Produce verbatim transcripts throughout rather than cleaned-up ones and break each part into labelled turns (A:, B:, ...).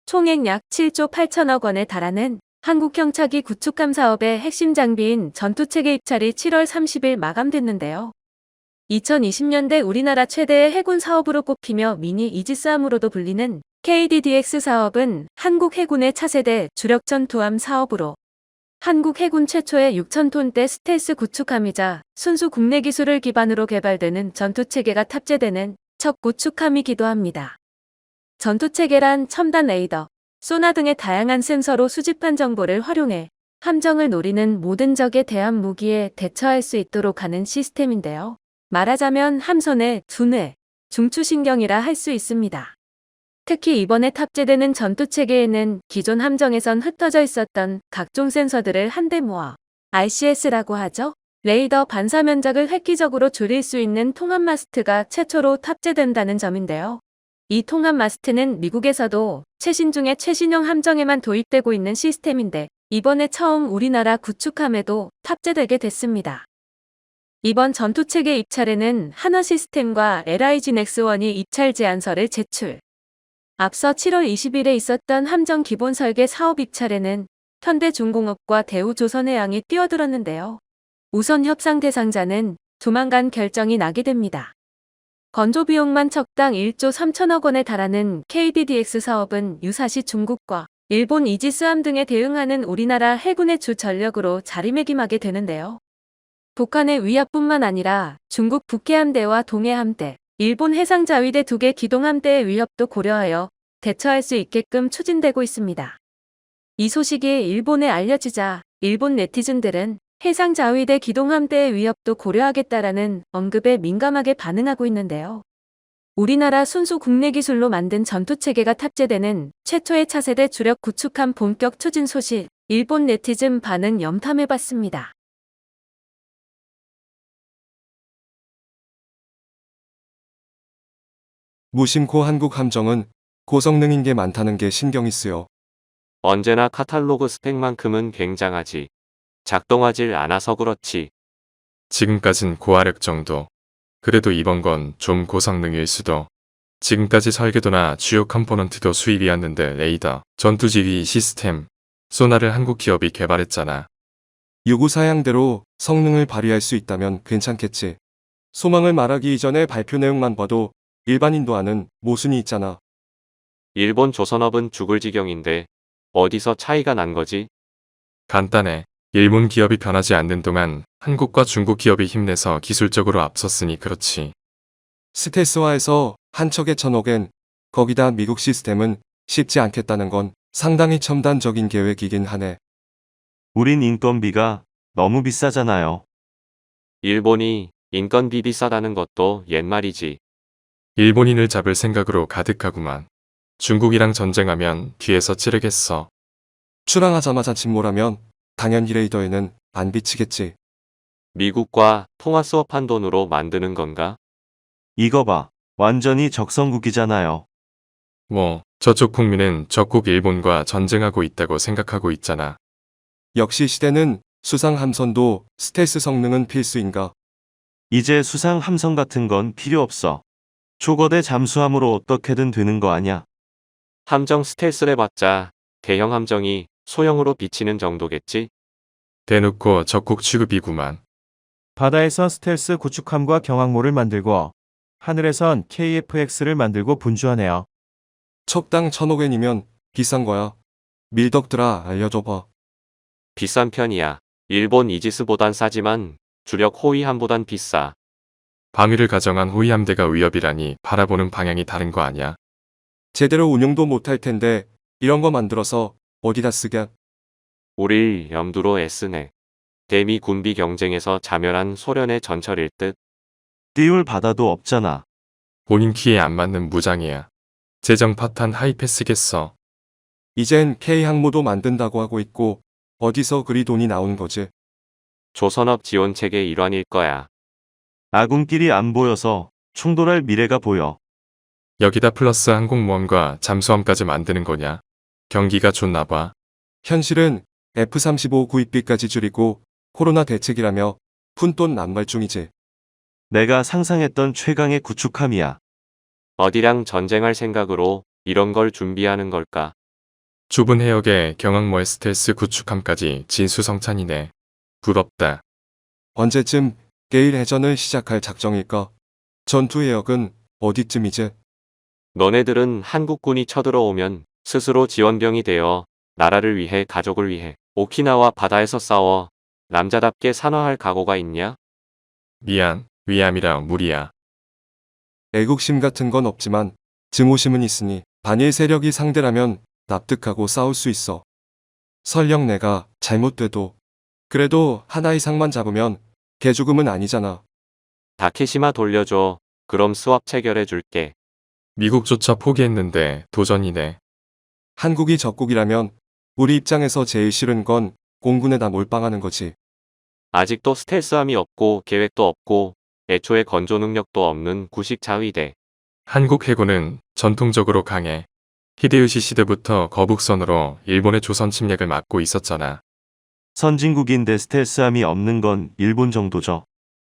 A: 총액 약 칠조 팔천억 원에 달하는 한국형 차기 구축함 사업의 핵심 장비인 전투체계 입찰이 칠월 삼십일 마감됐는데요. 이천이십 년대 우리나라 최대의 해군 사업으로 꼽히며 미니 이지스함으로도 불리는 케이디디엑스 사업은 한국 해군의 차세대 주력 전투함 사업으로 한국 해군 최초의 육천 톤대 스텔스 구축함이자 순수 국내 기술을 기반으로 개발되는 전투체계가 탑재되는 첫 구축함이기도 합니다. 전투체계란 첨단 레이더, 소나 등의 다양한 센서로 수집한 정보를 활용해 함정을 노리는 모든 적에 대한 무기에 대처할 수 있도록 하는 시스템인데요. 말하자면 함선의 두뇌, 중추신경이라 할 수 있습니다. 특히 이번에 탑재되는 전투체계에는 기존 함정에선 흩어져 있었던 각종 센서들을 한데 모아 알씨에스라고 하죠. 레이더 반사 면적을 획기적으로 줄일 수 있는 통합 마스트가 최초로 탑재된다는 점인데요. 이 통합 마스트는 미국에서도 최신 중의 최신형 함정에만 도입되고 있는 시스템인데 이번에 처음 우리나라 구축함에도 탑재되게 됐습니다. 이번 전투체계 입찰에는 한화시스템과 엘아이지 넥스원이 입찰 제안서를 제출. 앞서 칠월 이십일에 있었던 함정 기본 설계 사업 입찰에는 현대중공업과 대우조선해양이 뛰어들었는데요. 우선 협상 대상자는 조만간 결정이 나게 됩니다. 건조 비용만 척당 일조 삼천억 원에 달하는 케이디디엑스 사업은 유사시 중국과 일본 이지스함 등에 대응하는 우리나라 해군의 주 전력으로 자리매김하게 되는데요. 북한의 위협뿐만 아니라 중국 북해함대와 동해함대, 일본 해상자위대 두 개 기동함대의 위협도 고려하여 대처할 수 있게끔 추진되고 있습니다. 이 소식이 일본에 알려지자 일본 네티즌들은 해상자위대 기동함대의 위협도 고려하겠다라는 언급에 민감하게 반응하고 있는데요. 우리나라 순수 국내 기술로 만든 전투체계가 탑재되는 최초의 차세대 주력 구축함 본격 추진 소식, 일본 네티즌 반응 염탐해봤습니다.
B: 무심코 한국 함정은 고성능인 게 많다는 게 신경이 쓰여.
C: 언제나 카탈로그 스펙만큼은 굉장하지. 작동하질 않아서 그렇지.
D: 지금까진 고화력 정도. 그래도 이번 건 좀 고성능일 수도. 지금까지 설계도나 주요 컴포넌트도 수입이었는데 레이더, 전투지휘 시스템, 소나를 한국 기업이 개발했잖아.
B: 요구사양대로 성능을 발휘할 수 있다면 괜찮겠지. 소망을 말하기 이전에 발표 내용만 봐도 일반인도 아는 모순이 있잖아.
C: 일본 조선업은 죽을 지경인데 어디서 차이가 난 거지?
D: 간단해. 일본 기업이 변하지 않는 동안 한국과 중국 기업이 힘내서 기술적으로 앞섰으니 그렇지.
B: 스텔스화해서 한 척에 천억엔, 거기다 미국 시스템은 쉽지 않겠다는 건 상당히 첨단적인 계획이긴 하네.
E: 우린 인건비가 너무 비싸잖아요.
C: 일본이 인건비 비싸다는 것도 옛말이지.
D: 일본인을 잡을 생각으로 가득하구만. 중국이랑 전쟁하면 뒤에서 찌르겠어.
B: 출항하자마자 침몰하면 당연히 레이더에는 안 비치겠지.
C: 미국과 통화 수업한 돈으로 만드는 건가?
E: 이거 봐. 완전히 적성국이잖아요.
D: 뭐 저쪽 국민은 적국 일본과 전쟁하고 있다고 생각하고 있잖아.
B: 역시 시대는 수상 함선도 스텔스 성능은 필수인가.
E: 이제 수상 함성 같은 건 필요 없어. 초거대 잠수함으로 어떻게든 되는 거 아냐.
C: 함정 스텔스를 봤자 대형 함정이 소형으로 비치는 정도겠지?
D: 대놓고 적국 취급이구만.
F: 바다에선 스텔스 구축함과 경항모를 만들고 하늘에선 케이에프엑스를 만들고 분주하네요.
B: 척당 천억엔이면 비싼 거야. 밀덕들아 알려줘봐.
C: 비싼 편이야. 일본 이지스보단 싸지만 주력 호위함보단 비싸.
D: 방위를 가정한 호위함대가 위협이라니 바라보는 방향이 다른 거 아냐?
B: 제대로 운용도 못할 텐데 이런 거 만들어서 어디다 쓰게.
C: 우릴 염두로 애쓰네. 대미 군비 경쟁에서 자멸한 소련의 전철일 듯.
E: 띄울 바다도 없잖아.
D: 본인 키에 안 맞는 무장이야. 재정 파탄 하이패스겠어.
B: 이젠 K항모도 만든다고 하고 있고 어디서 그리 돈이 나오는 거지.
C: 조선업 지원체계 일환일 거야.
E: 아군끼리 안 보여서 충돌할 미래가 보여.
D: 여기다 플러스 항공모함과 잠수함까지 만드는 거냐? 경기가 좋나 봐.
B: 현실은 에프 삼십오 구입비까지 줄이고 코로나 대책이라며 푼돈 남발 중이지.
E: 내가 상상했던 최강의 구축함이야.
C: 어디랑 전쟁할 생각으로 이런 걸 준비하는 걸까?
D: 좁은 해역에 경항모의 스텔스 구축함까지 진수성찬이네. 부럽다.
B: 언제쯤 게일 해전을 시작할 작정일까? 전투 해역은 어디쯤이지?
C: 너네들은 한국군이 쳐들어오면 스스로 지원병이 되어 나라를 위해 가족을 위해 오키나와 바다에서 싸워 남자답게 산화할 각오가 있냐?
D: 미안, 위암이라 무리야.
B: 애국심 같은 건 없지만 증오심은 있으니 반일 세력이 상대라면 납득하고 싸울 수 있어. 설령 내가 잘못돼도 그래도 하나 이상만 잡으면 개죽음은 아니잖아.
C: 다케시마 돌려줘. 그럼 수합 체결해 줄게.
D: 미국조차 포기했는데 도전이네.
B: 한국이 적국이라면 우리 입장에서 제일 싫은 건 공군에다 몰빵하는 거지.
C: 아직도 스텔스함이 없고 계획도 없고 애초에 건조 능력도 없는 구식 자위대.
D: 한국 해군은 전통적으로 강해. 히데요시 시대부터 거북선으로 일본의 조선 침략을 막고 있었잖아.
E: 선진국인데 스텔스함이 없는 건 일본 정도죠.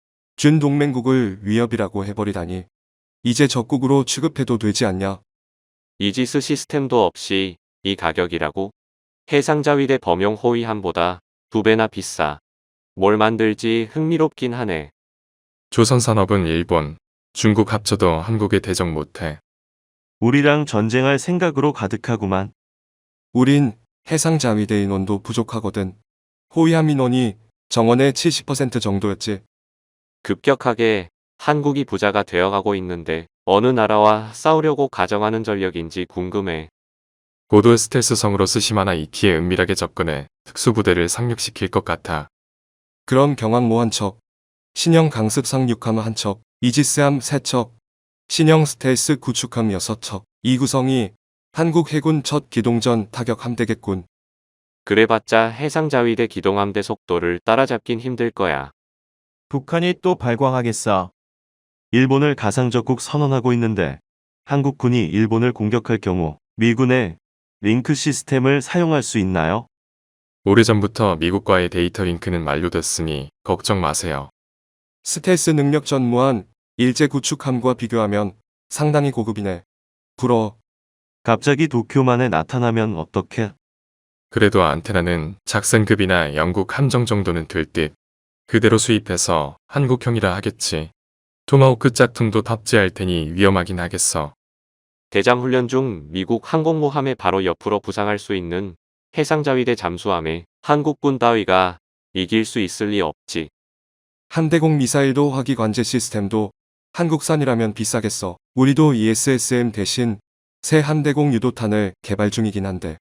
B: 준동맹국을 위협이라고 해버리다니. 이제 적국으로 취급해도 되지 않냐?
C: 이지스 시스템도 없이 이 가격이라고? 해상자위대 범용 호위함보다 두 배나 비싸. 뭘 만들지 흥미롭긴 하네.
D: 조선 산업은 일본, 중국 합쳐도 한국에 대적 못해.
E: 우리랑 전쟁할 생각으로 가득하구만.
B: 우린 해상자위대 인원도 부족하거든. 호위함 인원이 정원의 칠십 퍼센트 정도였지.
C: 급격하게 한국이 부자가 되어가고 있는데 어느 나라와 싸우려고 가정하는 전력인지 궁금해.
D: 고도 스텔스성으로 스시마나 이키에 은밀하게 접근해 특수부대를 상륙시킬 것 같아.
B: 그럼 경항모 한 척, 신형 강습 상륙함 한 척, 이지스함 세 척, 신형 스텔스 구축함 여섯 척. 이 구성이 한국 해군 첫 기동전 타격 함대겠군.
C: 그래봤자 해상자위대 기동함대 속도를 따라잡긴 힘들 거야.
F: 북한이 또 발광하겠어.
E: 일본을 가상적국 선언하고 있는데 한국군이 일본을 공격할 경우 미군의 링크 시스템을 사용할 수 있나요?
D: 오래전부터 미국과의 데이터 링크는 만료됐으니 걱정 마세요.
B: 스텔스 능력 전무한 일제 구축함과 비교하면 상당히 고급이네. 부러워.
E: 갑자기 도쿄만에 나타나면 어떡해?
D: 그래도 안테나는 작센급이나 영국 함정 정도는 될 듯. 그대로 수입해서 한국형이라 하겠지. 토마호크 짝퉁도 탑재할 테니 위험하긴 하겠어.
C: 대장 훈련 중 미국 항공모함의 바로 옆으로 부상할 수 있는 해상자위대 잠수함에 한국군 따위가 이길 수 있을 리 없지.
B: 함대공 미사일도 화기 관제 시스템도 한국산이라면 비싸겠어. 우리도 이에스에스엠 대신 새 함대공 유도탄을 개발 중이긴 한데.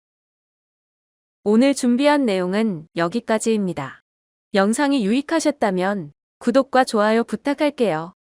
A: 오늘 준비한 내용은 여기까지입니다. 영상이 유익하셨다면 구독과 좋아요 부탁할게요.